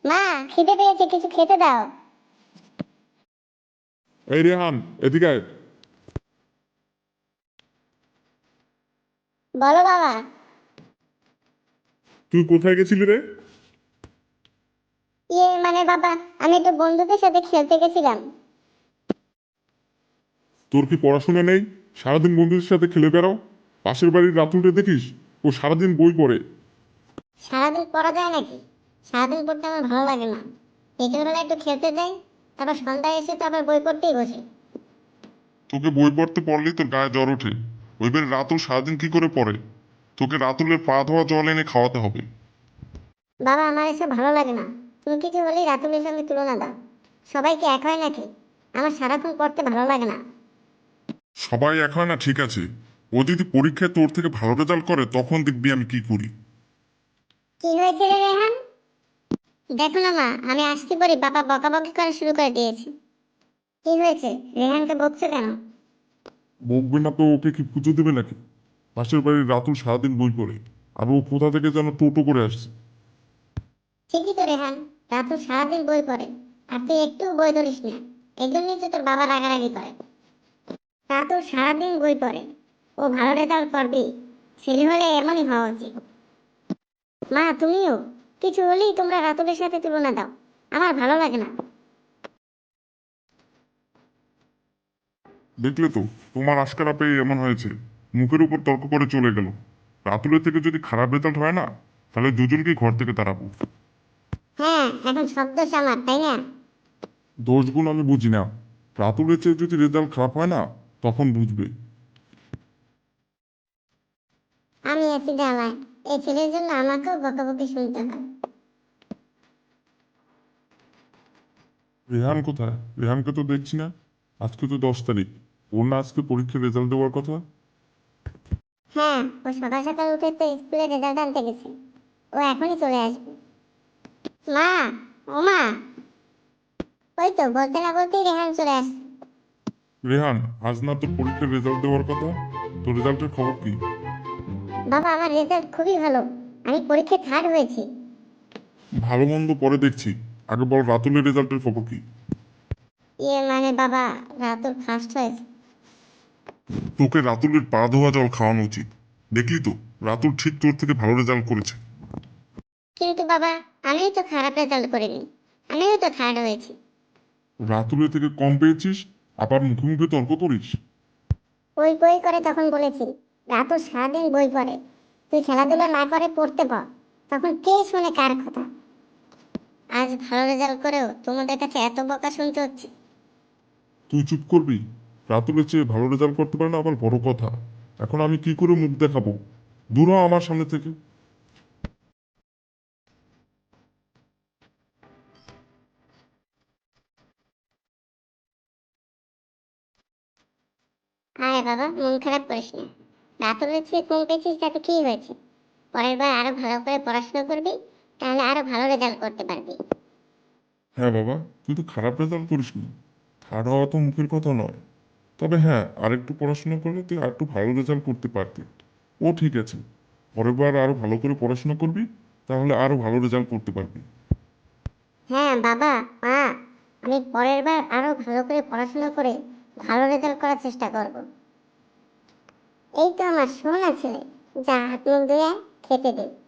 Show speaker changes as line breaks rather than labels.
মা, খিদে পেয়েছে, কিছু খেতে দাও।
এই রেহান, এদিকে আয়।
বলো বাবা।
তুই কোথায় গেছিলি রে?
মানে বাবা, আমি একটু বন্ধুদের সাথে খেলতে গেছিলাম।
তোর কি পড়াশোনা নেই? সারাদিন বন্ধুদের সাথে খেলে বেড়াও। পাশের বাড়ির রাতুলকে দেখিস, ও সারাদিন বই পড়ে।
সারাদিন পড়া যায় নাকি? সারাদিন পড়তে আমার ভালো লাগে না। বিকেলবেলা একটু খেলতে যাই, তারপর সন্ধ্যায় এসে তো আবার বই পড়তেই বসে।
তোকে বই পড়তে পড়লেই তোর গায়ে জ্বর ওঠে। ওইবার রাতুল সারাদিন কি করে পড়ে? তোকে রাতুলের পা ধোয়া জল এনে খাওয়াতে হবে।
বাবা, আমার এসব ভালো লাগে না। তুমি কিছু হলেই রাতুলের সঙ্গে তুলনা দাও। সবাই কি এক হয় নাকি? আমার সারাক্ষণ পড়তে ভালো লাগে না।
সবাই এক হয় না, ঠিক আছে। ও যদি পরীক্ষায় তোর থেকে ভালো রেজাল্ট করে তখন দেখবি আমি কি করি।
কি হয়েছে রে রেহান? দেখো না মা, আমি আসতে পারি বাবা বকাবকি করা শুরু করে দিয়েছে। কি হয়েছে? রেহানকে বকছো কেন?
বকবে না তো ওকে কি পুজো দেবে নাকি? পাশের বাড়ির রাতুল সারাদিন বই পড়ে, আর ও কোথা থেকে যেন টোটো করে আসছে।
ঠিকই তো রেহান, রাতুল সারাদিন বই পড়ে, আর তুই একটু বই ধরিস না। এই জন্যই তো তোর বাবা রাগারাগি করে। রাতুল সারাদিন বই পড়ে, ও ভালো রেজাল্ট করবি। ছেলে হলে এমনই হওয়া উচিত। মা, তুমিও কিছু হলেই তোমরা রাতুলের সাথে তুলনা দাও। আমার ভালো লাগে না।
দেখলে তো, তোমার আশকারা পেয়ে এমন হয়েছে। মুখের উপর তর্ক করে চলে গেল। রাতুলের থেকে যদি খারাপ রেজাল্ট হয় না, তাহলে দুজনকে ঘর থেকে তাড়াবো।
হ্যাঁ, এখন সব দোষ আমার, তাই না?
দোষগুণ আমি বুঝি না। রাতুলের চেয়ে যদি রেজাল্ট খারাপ হয় না, তখন বুঝবে।
আমি আছি জ্বালায়, এই ছেলের জন্য আমাকেও বকাবকি শুনতে হয়।
রেহান কোথায়? রেহানকে তো দেখছি না। আজকে তো 10 তারিখ। ওর না আজকে পরীক্ষার রেজাল্ট দেওয়ার কথা?
হ্যাঁ, ও সকাল সকাল উঠে তো স্কুলে রেজাল্ট আনতে গেছে। ও এখনই চলে আসবে। মা, ও মা, ওই তো বলতে না বলতেই রেহান চলে আসছে।
রেহান, আজ না তোর পরীক্ষার রেজাল্ট দেওয়ার কথা? তোর রেজাল্টের খবর কি?
বাবা, আমার রেজাল্ট খুবই ভালো। আমি পরীক্ষায় থার্ড হয়েছি।
ভালো মন্দ পরে দেখছি। আগে বল রাতুলের রেজাল্টের খবর কি?
মানে বাবা, রাতুল ফার্স্ট হয়েছে।
তোকে রাতুলের পা ধোয়া জল খাওয়ানো উচিত। দেখলি তো, রাতুল ঠিক তোর থেকে ভালো রেজাল্ট করেছে।
কিন্তু বাবা, আমিও তো খারাপ রেজাল্ট করিনি। আমিও তো থার্ড হয়েছি।
রাতুলের থেকে কম পেয়েছিস, আবার মুখে মুখে তর্ক করিস।
ওই বই করে তখন বলেছি, রাতুল সারাদিন বই পড়ে, তুই খেলাধুলা না করে পড়তে বল। তখন কে শুনে কার কথা? আজ ভালো রেজাল্ট করেও তোমাদের কাছে এত বকা শুনতে হচ্ছে।
তুই চুপ করবি? রাতুলের চেয়ে ভালো রেজাল্ট করতে পারে না আবার বড় কথা। এখন আমি কি করে মুখ দেখাবো? দূর হ আমার সামনে থেকে।
আরে বাবা, মন খারাপ করিস না। রাতুলের চেয়ে কম পেয়েছিস তাতে কি হয়েছে? পরের বার আরো ভালো করে পড়াশোনা করবি, তাহলে আরো ভালো রেজাল্ট করতে পারবি।
হ্যাঁ বাবা, তুই তো খারাপ রেজাল্ট করিস নি। থার্ড হওয়া তো মুখের কথা নয়। তবে হ্যাঁ, আরেকটু পড়াশোনা করলে তুই আরেকটু ভালো রেজাল্ট করতে পারতি। ও ঠিক আছে। পরের বার আরো ভালো করে পড়াশোনা করবি, তাহলে আরো ভালো রেজাল্ট করতে পারবি।
হ্যাঁ বাবা, মা, আমি পরের বার আরো ভালো করে পড়াশোনা করে ভালো রেজাল্ট করার চেষ্টা করব। এই তো আমার সোনা ছেলে, যা হাত মুখ ধুয়ে খেতে দে।